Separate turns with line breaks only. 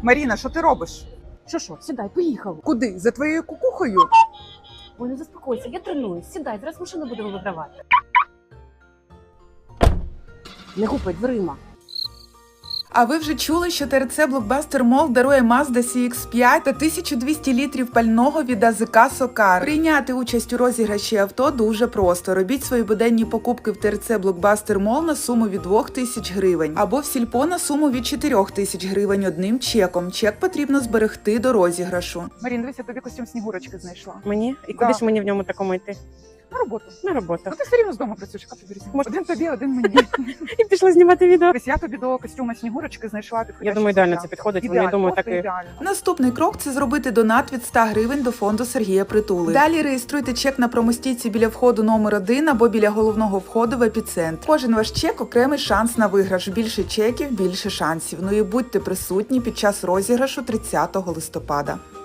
Маріна, що ти робиш?
Що, сідай, поїхав.
Куди? За твоєю кукухою?
Ой, не заспокойся, я тренуюсь. Сідай, зараз машина буде вигравати. Не гупай дверима.
А ви вже чули, що ТРЦ Blockbuster Mall дарує Mazda CX-5 та 1200 літрів пального від АЗК «Сокар». Прийняти участь у розіграші авто дуже просто. Робіть свої буденні покупки в ТРЦ Blockbuster Mall на суму від 2000 гривень або в Сільпо на суму від 4000 гривень одним чеком. Чек потрібно зберегти до розіграшу.
Марін, дивися, тобі костюм Снігурочки знайшла.
Мені? І куди ж мені в ньому такому йти?
На роботу.
На роботу.
Ну ти все рівно з дому працюєш, яка тобі різниця?
Може-
Один тобі, один мені.
І пішла знімати відео.
Ось я тобі до костюма Снігурочки знайшла підходяще
Я думаю, ідеально
взуття.
це підходить.
Ідеально,
Я думаю,
просто
так і...
ідеально.
Наступний крок – це зробити донат від 100 гривень до фонду Сергія Притули. Далі реєструйте чек на промостійці біля входу номер 1 або біля головного входу в епіцентр. Кожен ваш чек – окремий шанс на виграш. Більше чеків – більше шансів. Ну і будьте присутні під час розіграшу 30 листопада.